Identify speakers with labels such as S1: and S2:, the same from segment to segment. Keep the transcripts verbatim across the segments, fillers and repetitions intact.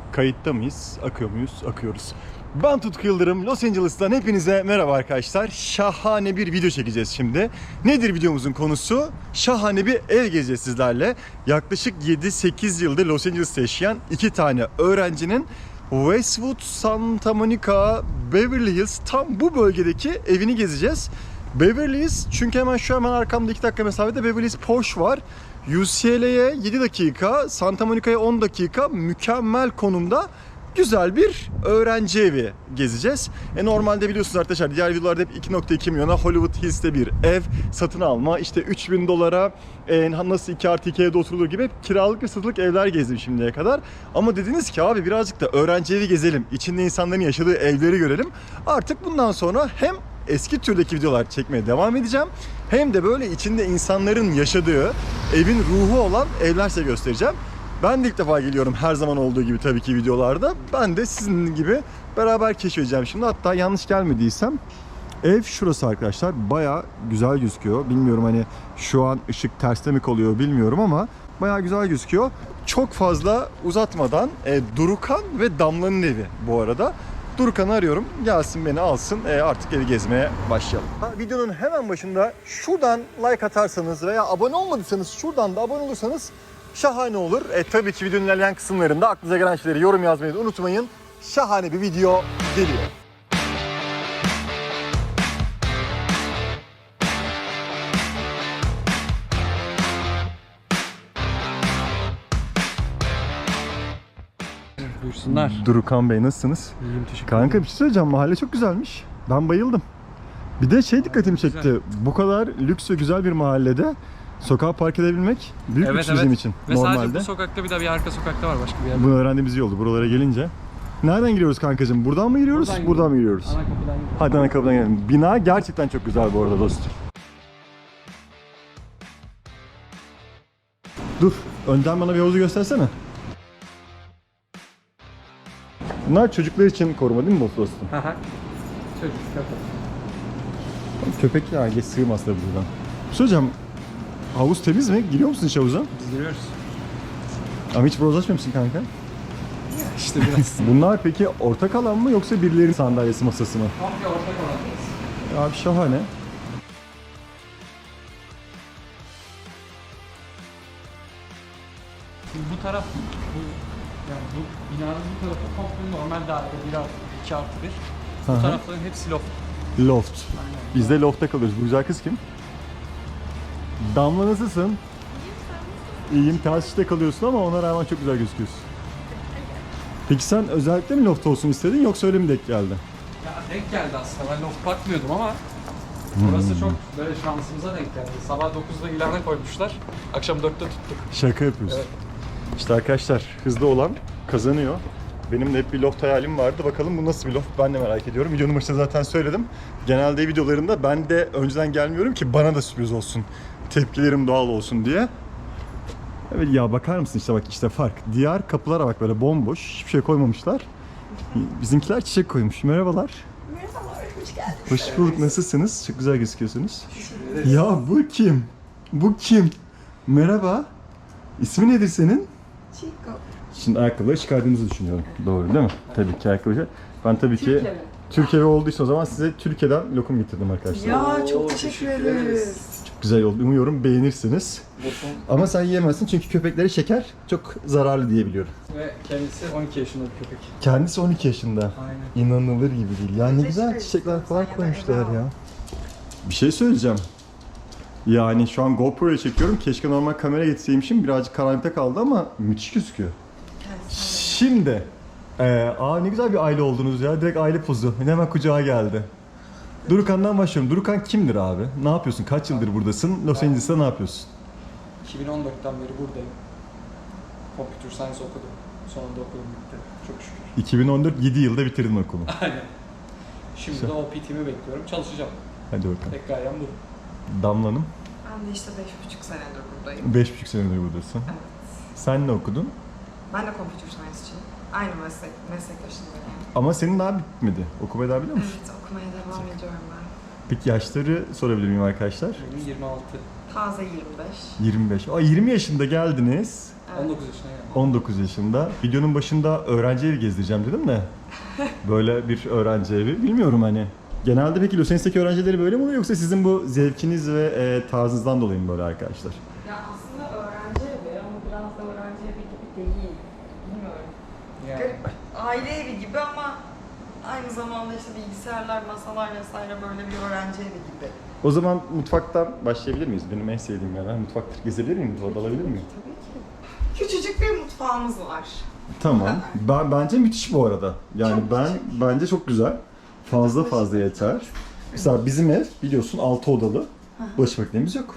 S1: Kayıtta mıyız? Akıyor muyuz? Akıyoruz. Ben Tutku Yıldırım. Los Angeles'tan hepinize merhaba arkadaşlar. Şahane bir video çekeceğiz şimdi. Nedir videomuzun konusu? Şahane bir ev gezeceğiz sizlerle. Yaklaşık yedi sekiz yıldır Los Angeles'ta yaşayan iki tane öğrencinin Westwood, Santa Monica, Beverly Hills tam bu bölgedeki evini gezeceğiz. Beverly Hills çünkü hemen şu hemen arkamda iki dakika mesafede Beverly Hills Porsche var. U C L A'ye yedi dakika, Santa Monica'ya on dakika mükemmel konumda güzel bir öğrenci evi gezeceğiz. E normalde biliyorsunuz arkadaşlar diğer videolarda hep iki nokta iki milyona Hollywood Hills'te bir ev satın alma, işte üç bin dolara e, nasıl iki artı iki evde oturulur gibi hep kiralık ve satılık evler gezdim şimdiye kadar. Ama dediniz ki abi birazcık da öğrenci evi gezelim, içinde insanların yaşadığı evleri görelim. Artık bundan sonra hem eski türdeki videolar çekmeye devam edeceğim. Hem de böyle içinde insanların yaşadığı, evin ruhu olan evler size göstereceğim. Ben de ilk defa geliyorum her zaman olduğu gibi tabii ki videolarda. Ben de sizin gibi beraber keşfedeceğim şimdi. Hatta yanlış gelmediysem ev şurası arkadaşlar. Bayağı güzel gözüküyor. Bilmiyorum hani şu an ışık terste mi kalıyor bilmiyorum ama bayağı güzel gözüküyor. Çok fazla uzatmadan e, Durukan ve Damla'nın evi bu arada. Durukan'ı arıyorum. Gelsin beni alsın. E artık evi gezmeye başlayalım. Ha, videonun hemen başında şuradan like atarsanız veya abone olmadıysanız şuradan da abone olursanız şahane olur. E tabii ki videonun ilerleyen kısımlarında aklınıza gelen şeyleri yorum yazmayı da unutmayın. Şahane bir video geliyor.
S2: Buyursunlar.
S1: Durukan Bey nasılsınız?
S2: İyiyim, teşekkür ederim.
S1: Kanka bir şey söyleyeceğim. Mahalle çok güzelmiş. Ben bayıldım. Bir de şey dikkatimi çekti.
S2: Güzel.
S1: Bu kadar lüks ve güzel bir mahallede sokağa park edebilmek büyük
S2: Evet,
S1: lüks
S2: evet.
S1: bizim için.
S2: Ve
S1: normalde.
S2: sadece bu sokakta bir de bir arka sokakta var başka bir yerde.
S1: Bunu öğrendiğimiz iyi oldu buralara gelince. Nereden giriyoruz kankacığım? Buradan mı giriyoruz?
S2: Buradan
S1: Buradan, mı
S2: gidiyoruz.
S1: giriyoruz?
S2: Ana kapıdan gidiyoruz.
S1: Hadi ana kapıdan girelim. Bina gerçekten çok güzel bu arada dostum. Dur, önden bana bir havuzu göstersene. Bunlar çocuklar için koruma değil mi bu dostum?
S2: Haha. Çocuk köpek.
S1: Köpek ya geç sığmaz tabii buradan. Bir şey hocam, havuz temiz mi? Giriyor musun hiç havuza?
S2: Biz giriyoruz.
S1: Ama hiç bronzlaşmıyor musun kanka?
S2: İşte biraz.
S1: Bunlar peki ortak alan mı yoksa birilerinin sandalyesi masası mı?
S2: Komple ortak alandayız.
S1: Abi şahane.
S2: Şimdi bu taraf, bu yani bu binanın bu tarafı komple normal daire bir artı iki artı bir. Bu
S1: Aha.
S2: tarafların hepsi loft.
S1: Loft.
S2: Aynen.
S1: Biz de loftta kalıyoruz. Bu güzel kız kim? Damla nasılsın? İyiyim. Ters işte kalıyorsun ama ona rağmen çok güzel gözüküyorsun. Peki sen özellikle mi loft olsun istedin yoksa öyle mi denk geldi?
S2: Ya denk geldi aslında. Ben loft bakmıyordum ama burası çok böyle şansımıza denk geldi. Sabah dokuzda ilana koymuşlar. Akşam dörtte tuttuk.
S1: Şaka yapıyorsun.
S2: Evet.
S1: İşte arkadaşlar hızlı olan kazanıyor. Benim de hep bir loft hayalim vardı. Bakalım bu nasıl bir loft ben de merak ediyorum. Videonun başında zaten söyledim. Genelde videolarında ben de önceden gelmiyorum ki bana da sürpriz olsun. Tepkilerim doğal olsun diye. Evet ya bakar mısın işte bak işte fark. Diğer kapılara bak böyle bomboş. Hiçbir şey koymamışlar. Bizimkiler çiçek koymuş. Merhabalar.
S3: Merhabalar, hoş geldiniz.
S1: Hoş bulduk. Nasılsınız? Çok güzel gözüküyorsunuz. Ya bu kim? Bu kim? Merhaba. İsmi nedir senin?
S3: Chico.
S1: Şimdi ayakkabıları çıkardığımızı düşünüyorum. Doğru değil mi? Tabii ki ayakkabı. Ben tabii ki
S3: Türkiye mi?
S1: Türkiye olduğu için o zaman size Türkiye'den lokum getirdim arkadaşlar.
S3: Ya çok
S2: Oo,
S3: teşekkür
S2: teşekkür
S3: ederiz.
S2: ederiz.
S1: Çok güzel oldu. Umuyorum beğenirsiniz. Ama sen yiyemezsin çünkü köpeklere şeker çok zararlı diye biliyorum.
S2: Ve kendisi on iki yaşında bir köpek.
S1: Kendisi on iki yaşında.
S2: Aynen.
S1: İnanılır gibi değil. Ya ne güzel çiçekler falan koymuşlar ya. Bir şey söyleyeceğim. Yani şu an GoPro'ya çekiyorum. Keşke normal kamera getirseymişim. Birazcık karanlıkta kaldı ama müthiş gözüküyor. Şimdi, ee, aa ne güzel bir aile oldunuz ya. Direkt aile pozu. Hemen kucağa geldi. Durukan'dan başlıyorum. Durukan kimdir abi? Ne yapıyorsun? Kaç yıldır buradasın? Los Angeles'ta ne yapıyorsun?
S2: iki bin on dörtten beri buradayım. Computer Science okudum. Sonunda okulum bitti. Çok şükür.
S1: iki bin on dört, yedi yılda bitirdin okulu.
S2: Aynen. Şimdi de O P T'mi bekliyorum. Çalışacağım.
S1: Hadi bakalım.
S2: Tek gayem bu.
S1: Damla'nım.
S3: Ben de işte beş buçuk senedir buradayım.
S1: Beş buçuk senedir buradasın.
S3: Evet.
S1: Sen ne okudun?
S3: Ben de computer science'çiyim. Aynı meslek, meslektaşındayım.
S1: Ama senin daha bitmedi. Okumayı daha biliyor musun?
S3: Evet, okumaya devam ediyorum ben.
S1: Peki yaşları sorabilir miyim arkadaşlar?
S2: Benim yirmi altı.
S3: Taze yirmi beş.
S1: yirmi beş. Aa, yirmi yaşında geldiniz.
S3: Evet.
S2: on dokuz yaşına geldim.
S1: on dokuz yaşında. Videonun başında öğrenci evi gezdireceğim dedim de. Böyle bir öğrenci evi. Bilmiyorum hani. Genelde peki Los Angeles'teki öğrencileri böyle mi oluyor yoksa sizin bu zevkiniz ve e, tarzınızdan dolayı mı böyle arkadaşlar?
S3: Ya aslında öğrenci evi ama biraz da öğrenci evi gibi değil. Bilmiyorum.
S2: Yani.
S3: Garip. Aile evi gibi ama aynı zamanda işte bilgisayarlar, masalar vesaire böyle bir öğrenci evi gibi.
S1: O zaman mutfaktan başlayabilir miyiz? Benim en sevdiğim yer. Ben mutfaktır. Gezebilir miyim? Orada alabilir miyim?
S3: Tabii ki. Küçücük bir mutfağımız var.
S1: Tamam. Ben bence müthiş bu arada. Yani
S3: Çok
S1: ben
S3: küçük.
S1: bence çok güzel. Fazla fazla yeter. Mesela bizim ev biliyorsun altı odalı. Bulaşık makinemiz yok.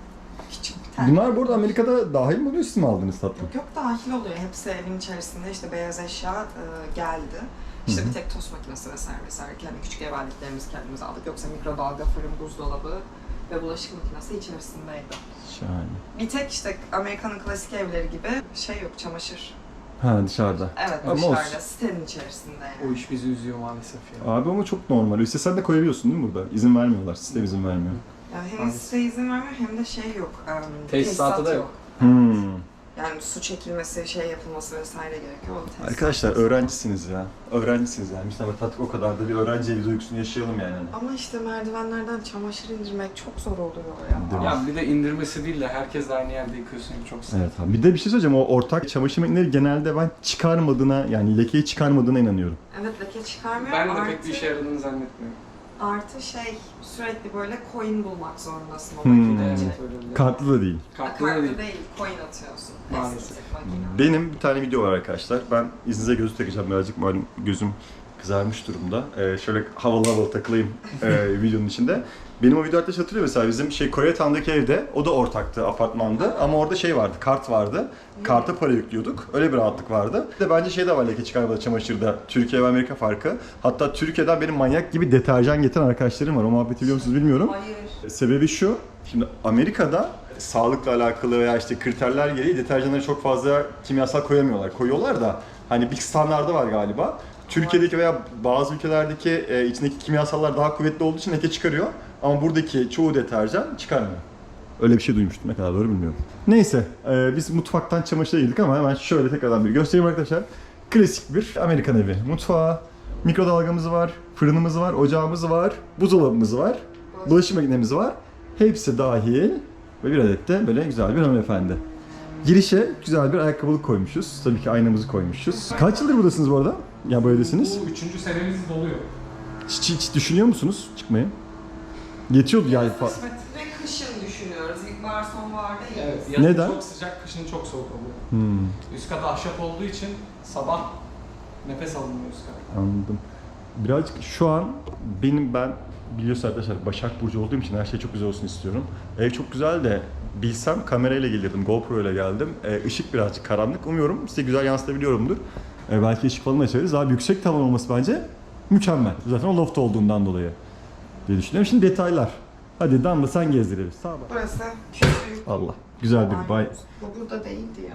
S3: Küçük bir tane.
S1: Bunlar bu arada Amerika'da dahil mi oluyor, siz mi aldınız tatlım?
S3: Yok yok dahil oluyor. Hepsi evin içerisinde işte beyaz eşya e, geldi. İşte bir tek tost makinesi vesaire vesaire. Kendi küçük ev aletlerimizi kendimiz aldık. Yoksa mikrodalga, fırın, buzdolabı ve bulaşık makinesi içerisindeydi.
S1: Şahane.
S3: Bir tek işte Amerika'nın klasik evleri gibi şey yok, çamaşır.
S1: Ha, dışarıda.
S3: Evet,
S1: Ama
S3: dışarıda,
S1: olsun.
S3: sitenin içerisinde yani.
S2: O iş bizi üzüyor maalesef ya.
S1: Abi ama çok normal. İşte sen de koyabiliyorsun değil mi burada? İzin vermiyorlar. Sistem izin vermiyor.
S3: Yani hem
S2: Maalesef.
S3: site izin vermiyor hem de şey yok. Um,
S2: Tesisatı da yok.
S1: Hmm.
S3: Yani su çekilmesi, şey yapılması vesaire gerekiyor. O tesisat-
S1: Arkadaşlar öğrencisiniz ya. Öğrencisiniz yani. Biz ama tatlık o kadar da bir öğrenci evi duygusunu yaşayalım yani.
S3: Ama işte merdivenlerden çamaşır indirmek çok zor oluyor
S1: Değil
S3: ya.
S1: mi?
S2: Ya bir de indirmesi değil de herkes de aynı yerde yıkıyorsun gibi çok sıkıntı.
S1: Evet abi. Bir de bir şey söyleyeceğim. O ortak çamaşır makineleri genelde ben çıkarmadığına, yani lekeyi çıkarmadığına inanıyorum.
S3: Evet, leke çıkarmıyor.
S2: Ben de
S3: artı,
S2: pek bir işe yaradığını zannetmiyorum.
S3: Artı şey, sürekli böyle coin bulmak zorundasın o
S1: Hmm.
S3: makinede.
S2: Evet öyle bir-
S1: Kartlı da değil.
S2: Kartlı da
S3: Kartlı
S2: değil.
S3: değil, coin atıyorsun.
S2: Maalesef.
S3: Estetik makine.
S1: Benim bir tane video var arkadaşlar. Ben izninize gözü takacağım birazcık. Malum gözüm kızarmış durumda. Ee, şöyle havalı havalı takılayım e, videonun içinde. Benim o video arkadaş hatırlıyor mesela bizim şey Koreatown'daki evde, o da ortaktı, apartmandı ama orada şey vardı, kart vardı. Karta para yüklüyorduk. Öyle bir rahatlık vardı. Bir de bence şey de var leke çıkarmada çamaşırda. Türkiye ve Amerika farkı. Hatta Türkiye'den benim manyak gibi deterjan getiren arkadaşlarım var. O muhabbeti biliyor musunuz bilmiyorum.
S3: Hayır.
S1: Sebebi şu, şimdi Amerika'da sağlıkla alakalı veya işte kriterler gereği deterjanlara çok fazla kimyasal koyamıyorlar. Koyuyorlar da hani bir standardı var galiba. Türkiye'deki veya bazı ülkelerdeki e, içindeki kimyasallar daha kuvvetli olduğu için leke çıkarıyor. Ama buradaki çoğu deterjan çıkarmıyor. Öyle bir şey duymuştum. Ne kadar doğru bilmiyorum. Neyse, e, biz mutfaktan çamaşıra girdik ama hemen şöyle tekrardan bir göstereyim arkadaşlar. Klasik bir Amerikan evi. Mutfağı, mikrodalgamız var, fırınımız var, ocağımız var, buzdolabımız var, bulaşık makinemiz var. Hepsi dahil ve bir adet de böyle güzel bir hanımefendi. Girişe güzel bir ayakkabılık koymuşuz. Tabii ki aynamızı koymuşuz. Kaç yıldır buradasınız bu arada? Ya bu evdesiniz.
S2: Bu üçüncü senemiz doluyor.
S1: Hiç, hiç düşünüyor musunuz çıkmayı? Yetiyordu yani. fa-
S3: Ve kışın düşünüyoruz. İlkbahar, sonbahar değil.
S2: Evet. Yazın
S1: Neden?
S2: çok sıcak, kışın çok soğuk oluyor.
S1: Hmm,
S2: Üst kat ahşap olduğu için sabah nefes alınmıyor üst kat.
S1: anladım. Birazcık şu an benim ben biliyorsun arkadaşlar Başak Burcu olduğum için her şey çok güzel olsun istiyorum. Ev çok güzel de bilsem kamerayla gelirdim, GoPro ile geldim. Ee, ışık birazcık karanlık. Umuyorum size güzel yansıtabiliyorumdur. Ee, belki ışık falan açarız. Daha yüksek tavan olması bence mükemmel. Zaten o loft olduğundan dolayı diye düşünüyorum. Şimdi detaylar. Hadi Damla sen gezdirelim. Sağ bak.
S3: Burası küçük.
S1: Allah. Güzel bir bay.
S3: Bu burada değildi ya.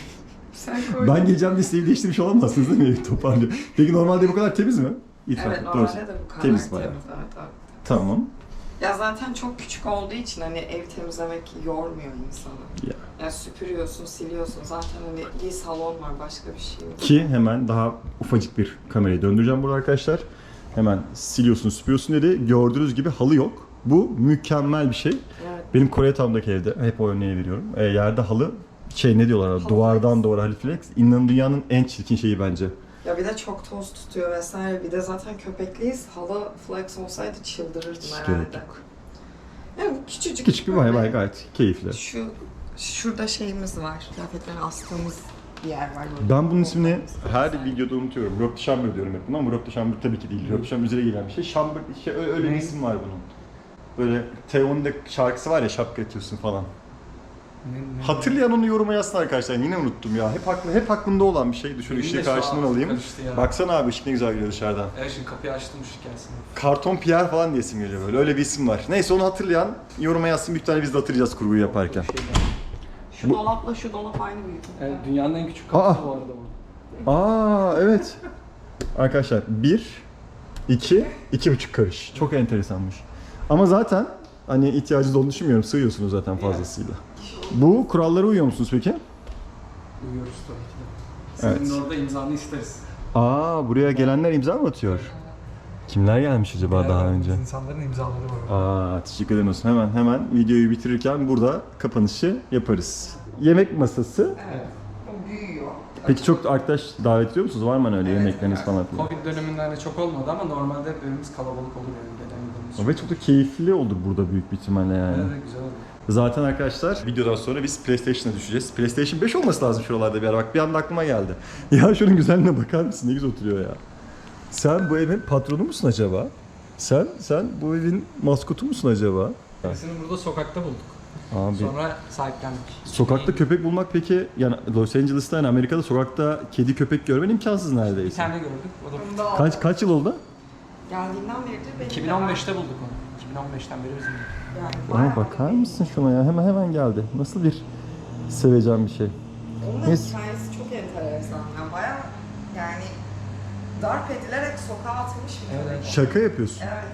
S3: Sen koydun.
S1: Ben geleceğim diye isteği değiştirmiş olamazsınız değil mi evi toparlıyor? Peki normalde bu kadar temiz mi? İtiraf
S3: Evet,
S1: et,
S3: normalde
S1: doğrusu.
S3: de bu kadar
S1: Temiz
S3: temiz.
S1: bayağı.
S3: Evet, evet.
S1: Tamam.
S3: Ya zaten çok küçük olduğu için hani ev temizlemek yormuyor insanı.
S1: Ya.
S3: Ya süpürüyorsun, siliyorsun. Zaten hani bir salon var, başka bir şey yok.
S1: Ki hemen daha ufacık bir kamerayı döndüreceğim burada arkadaşlar. Hemen siliyorsun, süpürüyorsun dedi. Gördüğünüz gibi halı yok. Bu mükemmel bir şey.
S3: Evet.
S1: Benim Koreatown'daki evde hep o örneği veriyorum. E, yerde halı şey ne diyorlar?
S3: Halı
S1: Duvardan
S3: flex.
S1: duvara halı flex. İnanın dünyanın en çirkin şeyi bence.
S3: Ya bir de çok toz tutuyor vesaire. Bir de zaten köpekliyiz. Halı flex olsaydı çıldırırdım
S1: Hiç
S3: herhalde.
S1: gerek yok.
S3: Ya bu küçücük.
S1: Küçük bir bay bay gayet keyifli.
S3: Şu şurada şeyimiz var. Kıyafetleri astığımız bir yer var. Böyle.
S1: Ben bunun ismini her
S3: Vesaire.
S1: videoda unutuyorum. Rob de Chamber diyorum hep buna ama Rob de Chamber tabii ki değil. Rob de Chamber üzere gelen bir şey. Chamber, şey, öyle, öyle bir
S2: Ne?
S1: isim var bunun. Böyle Teo'nun da şarkısı var ya, şapka atıyorsun falan.
S2: Ne- ne-
S1: Hatırlayan onu yoruma yazsın arkadaşlar. Yine unuttum ya. Hep aklı, hep aklımda olan bir şey. Düşün
S2: Benim de
S1: ışığı
S2: şu an
S1: karşından alayım.
S2: karıştı ya.
S1: Baksana abi ışık ne güzel geliyor dışarıdan.
S2: Evet şimdi kapıyı açtım ışık gelsin.
S1: Karton Pierre falan diye isim geliyor böyle. Öyle bir isim var. Neyse onu hatırlayan yoruma yazsın. Bir tane biz de hatırlayacağız kurguyu yaparken.
S2: Bir şey var.
S3: Şu
S1: Bu-
S3: dolapla şu dolap aynı büyüklükte.
S2: Evet, dünyanın en küçük kapısı
S1: Aa!
S2: bu arada bu.
S1: Aa evet. Arkadaşlar bir, iki, iki buçuk karış. Çok enteresanmış. Ama zaten hani ihtiyacınız olduğunu düşünmüyorum. Sığıyorsunuz zaten fazlasıyla. Bu kurallara uyuyor musunuz peki?
S2: Uyuyoruz tabii ki de. Senin
S1: Evet.
S2: orada imzanı isteriz.
S1: Aa, buraya gelenler imza mı atıyor? Kimler gelmiş acaba daha önce?
S2: İnsanların imzaları var.
S1: Aa, teşekkür ederim olsun. Hemen hemen videoyu bitirirken burada kapanışı yaparız. Yemek masası.
S3: Evet. O büyüyor.
S1: Peki çok arkadaş davet ediyor musunuz? Var mı hani öyle
S3: Evet,
S1: yemekleriniz
S3: evet.
S1: falan filan?
S2: Covid döneminde çok olmadı ama normalde hep evimiz kalabalık olur yani gelen gidenimiz.
S1: Ve çok da keyifli olur burada büyük bir ihtimalle yani.
S2: Evet, güzel oldu.
S1: Zaten arkadaşlar videodan sonra biz PlayStation'a düşeceğiz. PlayStation beş olması lazım şuralarda bir ara. Bak bir anda aklıma geldi. Ya şunun güzelliğine bakar mısın? Ne güzel oturuyor ya. Sen bu evin patronu musun acaba? Sen sen bu evin maskotu musun acaba?
S2: Birisini burada sokakta bulduk.
S1: Abi
S2: Sonra sahiplendik.
S1: sokakta köpek bulmak peki yani Los Angeles'ta yani Amerika'da sokakta kedi köpek görmen imkansız
S2: Bir
S1: neredeyse.
S2: tane gördük. O da
S3: Bunu da
S1: Kaç kaç yıl oldu?
S3: geldiğinden beridir benim
S2: iki bin on beşte bulduk onu. iki bin on beşten beri bizim.
S3: Yani
S1: Ama
S3: bayağı
S1: bakar
S3: da-
S1: mısın şuna ya? Hemen hemen geldi. Nasıl bir seveceğim bir şey.
S3: Onun da
S1: Neyse.
S3: hikayesi çok enteresan. Yani bayağı yani darp edilerek sokağa atılmış bir
S2: Evet,
S3: köpek.
S2: evet.
S1: Şaka yapıyorsun.
S3: Evet.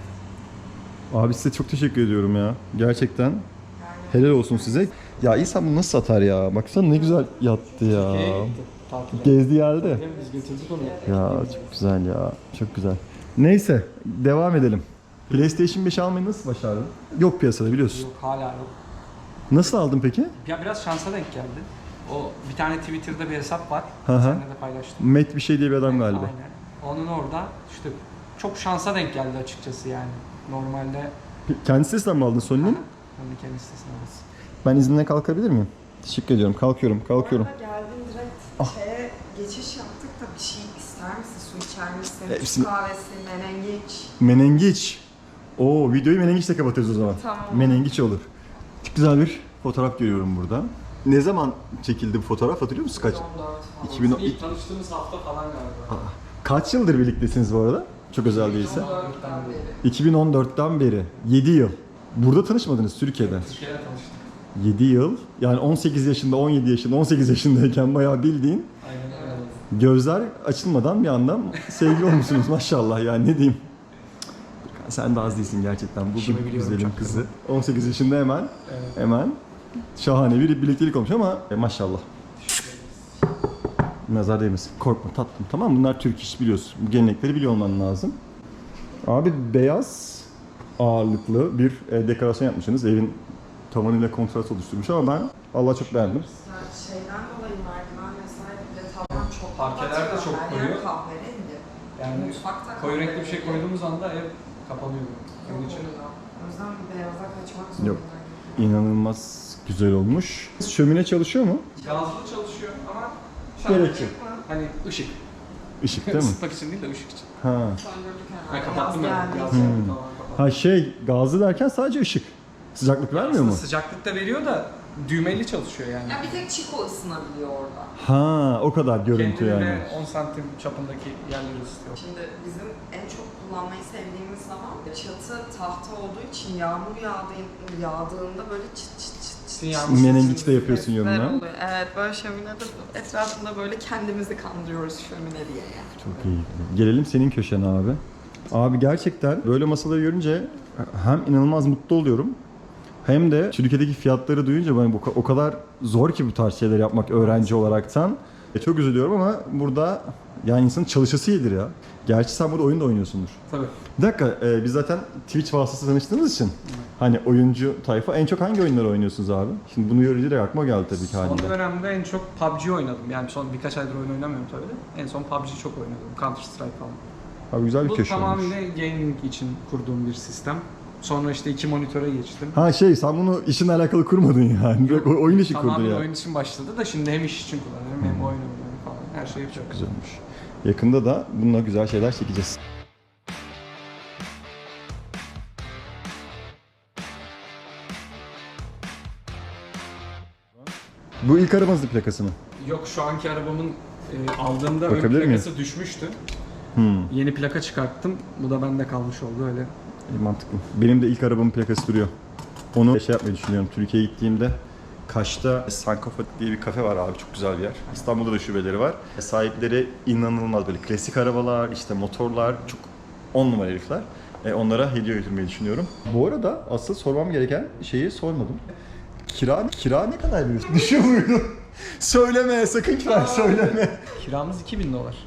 S1: Abi size çok teşekkür ediyorum ya. Gerçekten
S3: Yani
S1: helal olsun size. Ya insan bunu nasıl satar ya? Baksana ne güzel yattı ya.
S2: Türkiye'ye gitti. Tatile.
S1: Gezdi geldi.
S2: Biz götürdük onu.
S1: Ya çok güzel ya. Çok güzel. Neyse devam edelim. PlayStation beş almayı nasıl başardın? Yok piyasada biliyorsun.
S2: Yok hala yok.
S1: Nasıl aldın peki?
S2: Ya biraz şansa denk geldi. O bir tane Twitter'da bir hesap var.
S1: Hı hı.
S2: Seninle de paylaştım.
S1: Met bir şey diye bir adam galiba.
S2: Aynen. Onun orada işte çok şansa denk geldi açıkçası yani. Normalde
S1: Kendi sitesinden mi aldın Sony'nin?
S2: onun kendi sitesine alırız.
S1: Ben izinle kalkabilir miyim? Teşekkür ediyorum. Kalkıyorum, kalkıyorum.
S3: Bu arada geldin direkt
S1: Ah.
S3: şeye geçiş yaptık da bir şey ister misin? Su içer misin?
S1: Hepsini-
S3: Türk kahvesi, menengiç.
S1: Menengiç. Oo, videoyu menengiçle kapatırız o zaman.
S3: Tamam.
S1: Menengiç olur. Çok güzel bir fotoğraf görüyorum burada. Ne zaman çekildi bu fotoğraf hatırlıyor musun kaç?
S3: iki bin on dört falan.
S1: iki bin on-
S2: İlk tanıştığımız hafta falan galiba.
S1: Kaç yıldır birliktesiniz bu arada? Çok özel değilse.
S3: iki bin on dörtten beri.
S1: iki bin on dörtten beri. yedi yıl. Burada tanışmadınız Türkiye'de.
S2: Türkiye'de tanıştık.
S1: yedi yıl. Yani on sekiz yaşında, on yedi yaşında, on sekiz yaşındayken bayağı bildiğin
S2: Aynen öyle.
S1: gözler açılmadan bir anda sevgili olmuşsunuz maşallah yani ne diyeyim. Sen de az değilsin gerçekten. Buldum
S2: İşimi biliyorum,
S1: güzelim
S2: çok
S1: kızı. on sekiz yaşında hemen
S2: Evet.
S1: hemen şahane bir birliktelik olmuş ama e, maşallah. Nazar değmesin. Korkma tatlım tamam mı? Bunlar Türk iş biliyorsun. Bu gelenekleri biliyor olman lazım. Abi beyaz ağırlıklı bir e, dekorasyon yapmışsınız. Evin tavanıyla kontrast oluşturmuş ama ben Allah çok beğendim.
S3: Yani şeyden dolayı merdiven vesaire bir de tavan çok
S2: Parkeler de
S3: kapatıyor.
S2: çok
S3: Her yer
S2: koyu.
S3: kahverengi.
S2: Yani
S3: Mutfakta
S2: koyu renkli bir
S3: kahverengi.
S2: şey koyduğumuz anda ev kapanıyor.
S3: Yok
S2: Onun için
S3: oluyor. O yüzden bir beyaza kaçmak
S1: Yok.
S3: zorundayım.
S1: İnanılmaz güzel olmuş. Şömine çalışıyor mu?
S2: gazlı çalışıyor ama
S1: Gerek yok.
S2: hani ışık.
S1: Işık değil mi?
S2: Isıtmak için değil de ışık için.
S1: Ha.
S3: Söndürdük
S2: Ben
S3: herhalde.
S2: kapattım
S3: Yaz
S2: yani.
S3: geldiği
S2: Gaz
S3: için.
S2: geldi
S1: Hmm.
S2: falan kapattım.
S1: Ha şey gazlı derken sadece ışık. Sıcaklık vermiyor
S2: Aslında
S1: mu?
S2: sıcaklık da veriyor da düğmeli çalışıyor yani.
S3: Ya bir tek Chico ısınabiliyor orada.
S1: Ha o kadar görüntü
S2: Kendini
S1: yani.
S2: ve on santim çapındaki yerleri ısıtıyor.
S3: Şimdi bizim en çok kullanmayı sevdiğimiz zaman çatı tahta olduğu için yağmur yağdığı, yağdığında böyle çıt çıt çıt çıt.
S2: Yağmur
S1: Menengiç de yapıyorsun
S3: sesler
S1: yanına.
S3: oluyor. Evet böyle şöminede etrafında böyle kendimizi kandırıyoruz şömine diye yani.
S1: Çok iyi. Gelelim senin köşene abi. Abi gerçekten böyle masaları görünce hem inanılmaz mutlu oluyorum. Hem de Türkiye'deki fiyatları duyunca ben bu o kadar zor ki bu tarz şeyler yapmak öğrenci olaraktan. E, çok üzülüyorum ama burada yani insanın çalışası iyidir ya. Gerçi sen burada oyun da oynuyorsundur.
S2: Tabii.
S1: Bir dakika, e, biz zaten Twitch vasıtasıyla tanıştığımız için hani oyuncu tayfa en çok hangi oyunları oynuyorsunuz abi? Şimdi bunu görünce de aklıma geldi tabii ki
S2: Son
S1: halinde.
S2: dönemde en çok P U B G oynadım. Yani son birkaç aydır oyun oynamıyorum tabii de. En son P U B G çok oynadım. Counter Strike falan.
S1: Abi güzel bir
S2: Bu
S1: köşe olmuş.
S2: tamamıyla gaming için kurduğum bir sistem. Sonra işte iki monitöre geçtim.
S1: Ha şey sen bunu işinle alakalı kurmadın yani. Direkt o- oyun işi kurdun
S2: Tamamen
S1: ya.
S2: oyun için başladı da şimdi hem iş için kullanıyorum hem oyun oynuyorum falan. Her şeyi yapıyorum.
S1: Güzelmiş. Yakında da bununla güzel şeyler çekeceğiz. Bu ilk arabanızın plakası mı?
S2: Yok şu anki arabamın e, aldığımda ön
S1: Bakabilir miyim?
S2: plakası düşmüştü.
S1: Hmm.
S2: Yeni plaka çıkarttım. Bu da bende kalmış oldu öyle.
S1: İyi, mantıklı. Benim de ilk arabamın plakası duruyor. Onu şey yapmayı düşünüyorum. Türkiye'ye gittiğimde Kaş'ta Sankofa diye bir kafe var abi. Çok güzel bir yer. İstanbul'da da şubeleri var. Sahipleri inanılmaz böyle klasik arabalar, işte motorlar. Çok on numara herifler. E, onlara hediye götürmeyi düşünüyorum. Bu arada asıl sormam gereken şeyi sormadım. Kira, kira ne kadar veriyorsun? Düşüyor muydu? Söyleme, sakın kira söyleme.
S2: Kiramız iki bin dolar.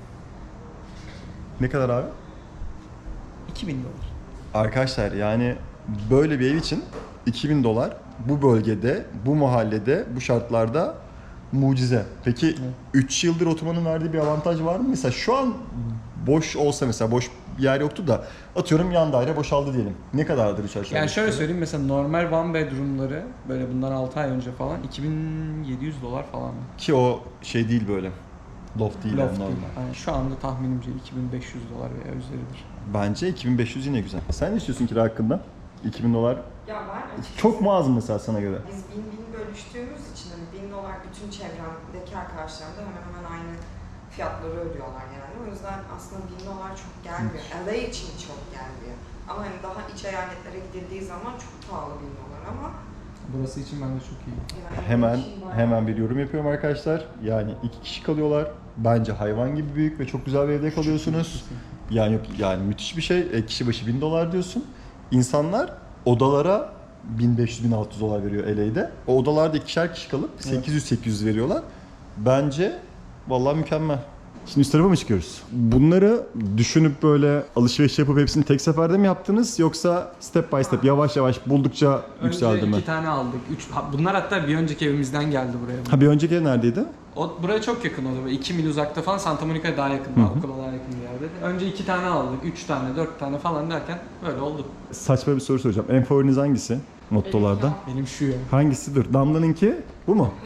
S1: Ne kadar abi?
S2: iki bin dolar.
S1: Arkadaşlar yani böyle bir ev için iki bin dolar bu bölgede, bu mahallede, bu şartlarda mucize. Peki üç yıldır oturmanın verdiği bir avantaj var mı? Mesela şu an boş olsa, mesela boş bir yer yoktu da atıyorum yan daire boşaldı diyelim. Ne kadardır üç aşağı?
S2: Yani
S1: beş
S2: şöyle
S1: yukarı?
S2: söyleyeyim, mesela normal one bedroom'ları böyle bundan altı ay önce falan iki bin yedi yüz dolar falan.
S1: Ki o şey değil böyle. Loft değil yani
S2: Loft
S1: normal.
S2: değil. Yani şu anda tahminimce iki bin beş yüz dolar veya üzeridir.
S1: Bence iki bin beş yüz yine güzel. Sen ne istiyorsun kira hakkında? iki bin dolar
S3: Ya ben açıkçası
S1: çok mu az mı mesela sana göre?
S3: biz bin bin bölüştüğümüz için hani bin dolar bütün çevremdeki arkadaşlarım da hemen hemen aynı fiyatları ödüyorlar yani. O yüzden aslında bin dolar çok gelmiyor. L A için çok gelmiyor. Ama hani daha iç eyaletlere gidildiği zaman çok pahalı bin dolar ama
S2: Burası için bence çok iyi.
S3: yani
S1: Hemen
S3: için bayağı-
S1: hemen bir yorum yapıyorum arkadaşlar. Yani iki kişi kalıyorlar. Bence hayvan gibi büyük ve çok güzel bir evde kalıyorsunuz. Yani yok yani müthiş bir şey. E, kişi başı bin dolar diyorsun. İnsanlar odalara bin beş yüz bin altı yüz dolar veriyor L A'de. O odalarda ikişer kişi kalıp sekiz yüz sekiz yüz veriyorlar. Bence vallahi mükemmel. Şimdi üst tarafa mı çıkıyoruz? Bunları düşünüp böyle alışveriş yapıp hepsini tek seferde mi yaptınız yoksa step by step yavaş yavaş buldukça yükseldi
S2: Önce
S1: mi?
S2: iki tane aldık. Üç, ha, bunlar hatta bir önceki evimizden geldi buraya.
S1: Ha bir önceki ev neredeydi?
S2: O buraya çok yakın oldu. iki mil uzakta falan, Santa Monica'ya daha yakın, daha okula daha yakın bir yerde. Önce iki tane aldık, üç tane, dört tane falan derken böyle oldu.
S1: Saçma bir soru soracağım. En favoriniz hangisi? Mottolarda.
S2: Benim şu ya.
S1: Hangisi? Dur. Damla'nınki bu mu?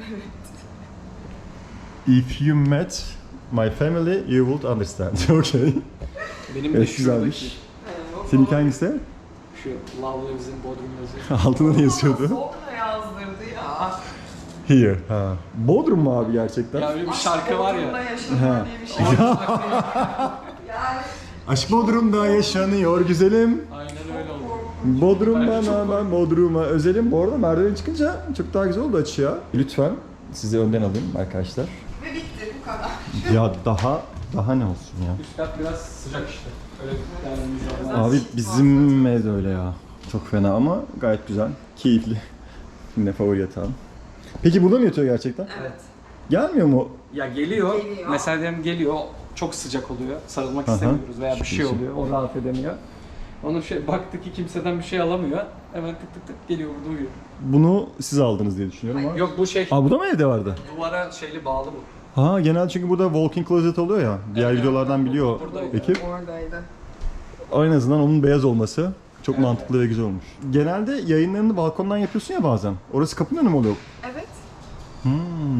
S1: If you met my family, you would understand. Okay.
S2: Benim de
S1: Evet,
S2: şuradaki.
S1: güzelmiş.
S3: Evet, o
S1: Seninki
S3: falan-
S1: hangisi?
S2: Şu Love Lives in Bodrum yazıyor.
S1: Altında ne yazıyordu?
S3: Sonra yazdırdı ya.
S1: Here. Ha. Bodrum mu abi gerçekten?
S2: Ya öyle bir şarkı var
S3: Bodrum'da
S2: ya.
S3: yaşanıyor diye bir şey. Yani
S1: Aşk Bodrum'da yaşanıyor güzelim.
S2: Aynen öyle oldu.
S1: Bodrum
S2: Bence çok
S1: bana, ben Bodrum'a özelim. Bu arada merdiven çıkınca çok daha güzel oldu açı ya. Lütfen sizi önden alayım arkadaşlar.
S3: ve bitti bu kadar.
S1: Ya daha, daha ne olsun ya.
S2: Üst kat biraz sıcak işte. Öyle bir değerimiz var.
S1: Abi bizim ev de öyle ya. Çok fena ama gayet güzel. Keyifli. Yine favori yatağım. Peki burada mı yatıyor gerçekten?
S3: Evet.
S1: Gelmiyor mu?
S2: Ya geliyor,
S3: Geliyor.
S2: mesela diyelim geliyor, çok sıcak oluyor, sarılmak
S1: Aha.
S2: istemiyoruz veya bir şey
S1: Ciddisin.
S2: oluyor, o rahat edemiyor. Onun şey, baktı ki kimseden bir şey alamıyor, hemen tık tık tık geliyor burada uyuyor.
S1: Bunu siz aldınız diye düşünüyorum ama.
S2: Yok bu şey,
S1: Aa bu da mı evde vardı?
S2: duvara şeyli bağlı bu.
S1: Ha genel çünkü burada walk-in closet oluyor ya. Diğer
S2: Evet,
S1: videolardan
S2: evet.
S1: biliyor
S2: Buradaydı.
S1: ekip.
S3: Oradaydı.
S1: En azından onun beyaz olması çok
S2: Evet.
S1: mantıklı ve güzel olmuş. Genelde yayınlarını balkondan yapıyorsun ya bazen. Orası kapının önü mü oluyor?
S3: Evet.
S1: Hmm,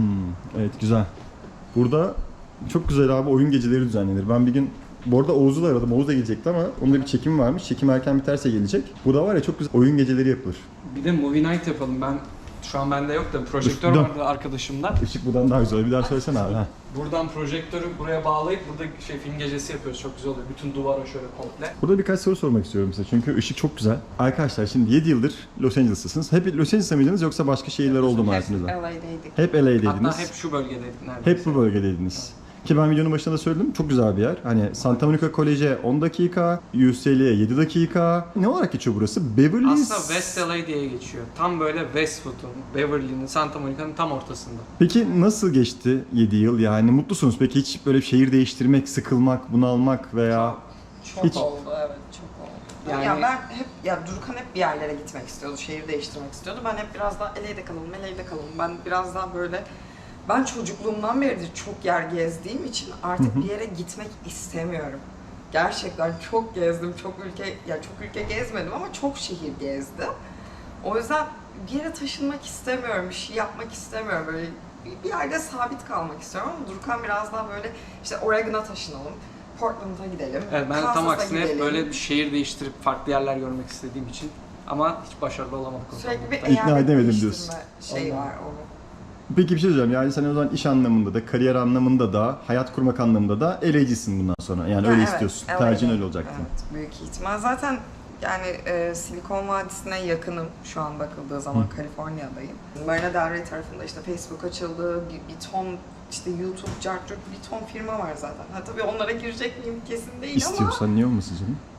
S1: evet güzel. Burada çok güzel abi oyun geceleri düzenlenir. Ben bir gün bu arada Oğuz'u da aradım. Oğuz da gelecekti ama onun da bir çekim varmış. Çekim erken biterse gelecek. Burada var ya çok güzel oyun geceleri yapılır.
S2: Bir de movie night yapalım, ben şu an bende yok da projektör
S1: Dur, dur.
S2: vardı arkadaşımda.
S1: Işık buradan daha güzel. Bir daha söylesene abi. Ha.
S2: Buradan projektörü buraya bağlayıp burada şey film gecesi yapıyoruz, çok güzel oluyor. Bütün duvara şöyle komple.
S1: Burada birkaç soru sormak istiyorum size çünkü ışık çok güzel. Arkadaşlar şimdi yedi yıldır Los Angeles'tasınız. Hep Los Angeles'ta mıydınız yoksa başka şehirler oldu mu hayatınızda?
S3: L A'daydık.
S1: Hep L A'deydiniz.
S2: Hatta hep şu bölgedeydik neredeyse.
S1: Hep bu bölgedeydiniz. Ki ben videonun başında da söyledim. Çok güzel bir yer. Hani Santa Monica College'e on dakika, U C L'ye yedi dakika. Ne olarak geçiyor burası? Beverly
S2: Aslında West L A diye geçiyor. Tam böyle Westwood'un, Beverly'nin, Santa Monica'nın tam ortasında.
S1: Peki nasıl geçti yedi yıl? Yani mutlusunuz. Peki hiç böyle şehir değiştirmek, sıkılmak, bunalmak veya...
S3: Çok
S1: Hiç.
S3: oldu evet çok oldu.
S2: Yani-
S3: Ya ben hep ya Durkan hep bir yerlere gitmek istiyordu, şehir değiştirmek istiyordu. Ben hep biraz daha L A'de kalalım, L A'de kalalım. Ben biraz daha böyle ben çocukluğumdan beridir çok yer gezdiğim için artık bir yere gitmek istemiyorum. Gerçekten çok gezdim, çok ülke ya çok ülke gezmedim ama çok şehir gezdim. O yüzden bir yere taşınmak istemiyorum, bir şey yapmak istemiyorum. Böyle bir- bir yerde sabit kalmak istiyorum ama Durkan biraz daha böyle işte Oregon'a taşınalım. Portland'a gidelim.
S2: Evet, ben de tam
S3: Kansas'a
S2: aksine hep
S3: gidelim.
S2: böyle bir şehir değiştirip farklı yerler görmek istediğim için ama hiç başarılı olamadık. o
S3: Sürekli bir
S2: konuda.
S1: İkna
S3: eyalet
S1: edemedim
S3: değiştirme
S1: diyorsun.
S3: Şey
S2: Allah.
S3: var onun.
S1: Peki bir şey söyleyeceğim. Yani sen o zaman iş anlamında da, kariyer anlamında da, hayat kurmak anlamında da L A'cisin bundan sonra. Yani
S3: Ha,
S1: öyle
S3: evet,
S1: istiyorsun.
S3: L A'de.
S1: Tercihin öyle olacaktı.
S3: Evet, büyük ihtimal. Zaten yani e, Silikon Vadisi'ne yakınım şu an bakıldığı zaman Kaliforniya'dayım. Marina Del Rey tarafında işte Facebook açıldı, bir, bir ton işte YouTube, Cartürk bir ton firma var zaten. Ha tabii onlara girecek miyim kesin değil ama
S1: İstiyorsan niye olmasın canım?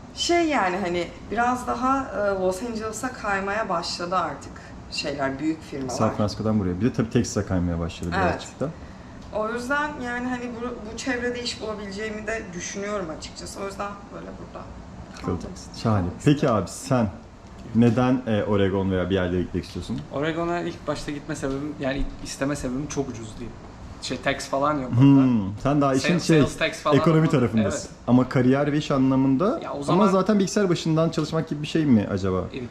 S3: Şey yani hani biraz daha e, Los Angeles'a kaymaya başladı artık şeyler, büyük firmalar.
S1: San Francisco'dan buraya. Bir de tabii Texas'a kaymaya başladı
S3: Evet.
S1: birazcık da.
S3: O yüzden yani hani bu, bu çevrede iş bulabileceğimi de düşünüyorum açıkçası. O yüzden böyle burada kaldım.
S1: Şahane. Peki abi sen neden e, Oregon veya bir yerlere gitmek istiyorsun?
S2: Oregon'a ilk başta gitme sebebim, yani isteme sebebim çok ucuz değil. Şey tax falan yok orada.
S1: Hmm, sen daha işin
S2: Sales-
S1: şey
S2: sales tax falan
S1: ekonomi
S2: ama-
S1: tarafındasın.
S2: Evet.
S1: Ama kariyer ve iş anlamında
S2: Ya o
S1: ama
S2: zaman-
S1: zaten bilgisayar başından çalışmak gibi bir şey mi acaba?
S2: Evet.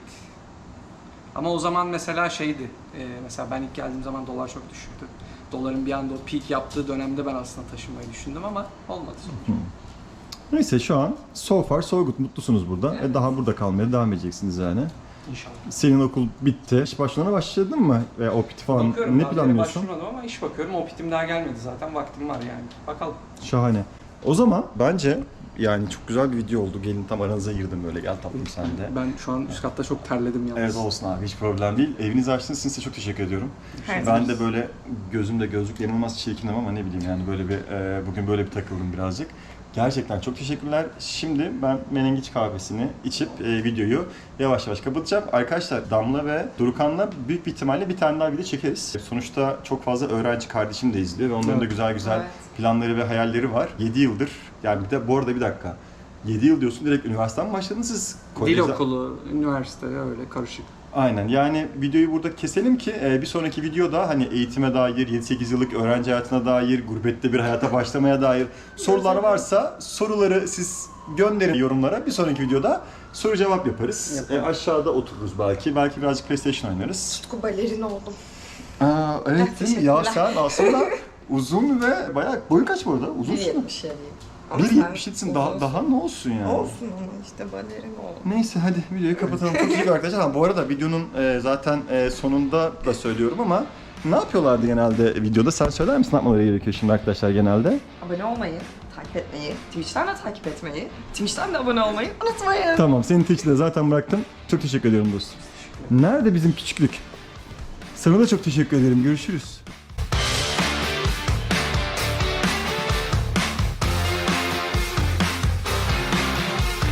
S2: Ama o zaman mesela şeydi, e, mesela ben ilk geldiğim zaman dolar çok düşüktü. Doların bir anda o peak yaptığı dönemde ben aslında taşınmayı düşündüm ama olmadı sonuç.
S1: Neyse şu an so far so good, mutlusunuz burada.
S2: Evet.
S1: E, daha burada kalmaya devam edeceksiniz yani.
S2: İnşallah.
S1: Senin okul bitti. İş başlarına başladın mı? Veya O P T falan
S2: Bakıyorum,
S1: ne
S2: daha bir yere
S1: planlıyorsun?
S2: başvurmadım ama iş bakıyorum. O pitim daha gelmedi zaten. Vaktim var yani. Bakalım.
S1: Şahane. O zaman bence yani çok güzel bir video oldu. Gelin tam aranıza girdim böyle. Gel tatlım sen de.
S2: Ben şu an üst katta çok terledim yalnız.
S1: Evet olsun abi, hiç problem değil. Evinizi açtığınız için size çok teşekkür ediyorum.
S3: Her
S1: Ben de böyle gözümde gözlük yanılmaz çirkinim ama ne bileyim yani böyle bir e, bugün böyle bir takıldım birazcık. Gerçekten çok teşekkürler. Şimdi ben menengiç kahvesini içip e, videoyu yavaş yavaş kapatacağım. Arkadaşlar Damla ve Durukan'la büyük bir ihtimalle bir tane daha video çekeriz. Sonuçta çok fazla öğrenci kardeşim de izliyor ve onların da
S2: Evet.
S1: güzel güzel
S3: Evet.
S1: planları ve hayalleri var. yedi yıldır yani bir de bu arada bir dakika. yedi yıl diyorsun, direkt üniversiteden mi başladınız siz?
S2: Dil
S1: Kolejde-
S2: okulu, üniversite öyle karışık.
S1: Aynen, yani videoyu burada keselim ki e, bir sonraki videoda hani eğitime dair, yedi sekiz yıllık öğrenci hayatına dair, gurbette bir hayata başlamaya dair sorular varsa soruları siz gönderin yorumlara. Bir sonraki videoda soru cevap yaparız.
S2: Yapalım.
S1: E, aşağıda otururuz belki, belki birazcık PlayStation oynarız.
S3: Tutku balerin oldum.
S1: Aa, evet değil mi? Ya sen aslında uzun ve bayağı, boyun kaç bu arada? Uzunsun.
S3: bir yetmiş yediyim. Ama
S1: bir
S3: sen
S1: yetmiş yedisin, daha,
S3: uzunsun.
S1: daha ne olsun yani?
S3: Olsun ama işte balerin oldum.
S1: Neyse hadi videoyu kapatalım. Çok teşekkür arkadaşlar. Ha, bu arada videonun e, zaten e, sonunda da söylüyorum ama ne yapıyorlardı genelde videoda? Sen söyler misin ne yapmaları gerekiyor şimdi arkadaşlar genelde?
S3: Abone olmayı, takip etmeyi, Twitch'ten de takip etmeyi, Twitch'ten de abone olmayı unutmayın.
S1: Tamam, senin Twitch'te zaten bıraktım. Çok teşekkür ediyorum dostum. Nerede bizim küçüklük? Sana da çok teşekkür ederim. Görüşürüz.